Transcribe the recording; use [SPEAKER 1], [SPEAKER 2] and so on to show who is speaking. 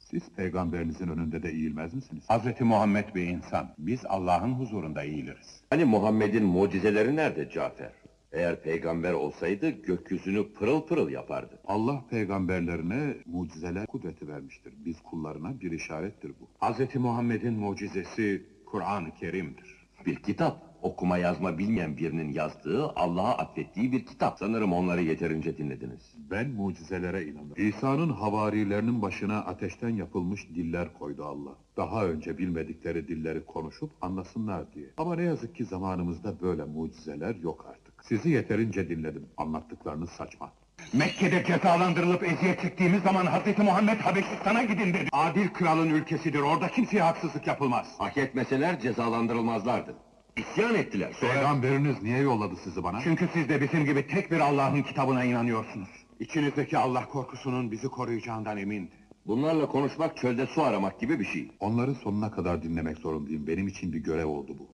[SPEAKER 1] Siz peygamberinizin önünde de eğilmez misiniz?
[SPEAKER 2] Hazreti Muhammed bir insan, biz Allah'ın huzurunda eğiliriz.
[SPEAKER 3] Hani Muhammed'in mucizeleri nerede Cafer? Eğer peygamber olsaydı gökyüzünü pırıl pırıl yapardı.
[SPEAKER 1] Allah peygamberlerine mucizeler kudreti vermiştir. Biz kullarına bir işarettir bu.
[SPEAKER 2] Hazreti Muhammed'in mucizesi Kur'an-ı Kerim'dir.
[SPEAKER 3] Bir kitap, okuma yazma bilmeyen birinin yazdığı, Allah'a atfettiği bir kitap. Sanırım onları yeterince dinlediniz.
[SPEAKER 1] Ben mucizelere inanırım. İsa'nın havarilerinin başına ateşten yapılmış diller koydu Allah. Daha önce bilmedikleri dilleri konuşup anlasınlar diye. Ama ne yazık ki zamanımızda böyle mucizeler yok artık. Sizi yeterince dinledim. Anlattıklarınız saçma.
[SPEAKER 2] Mekke'de cezalandırılıp eziyet çektiğimiz zaman Hazreti Muhammed Habeşistan'a gidin dedi. Adil kralın ülkesidir, orada kimseye haksızlık yapılmaz.
[SPEAKER 3] Hak etmeseler cezalandırılmazlardı. İsyan ettiler. Sonra
[SPEAKER 1] Peygamberiniz niye yolladı sizi bana?
[SPEAKER 2] Çünkü siz de bizim gibi tek bir Allah'ın kitabına inanıyorsunuz. İçinizdeki Allah korkusunun bizi koruyacağından emindi.
[SPEAKER 3] bunlarla konuşmak çölde su aramak gibi bir şey.
[SPEAKER 1] Onları sonuna kadar dinlemek zorundayım. Benim için bir görev oldu bu.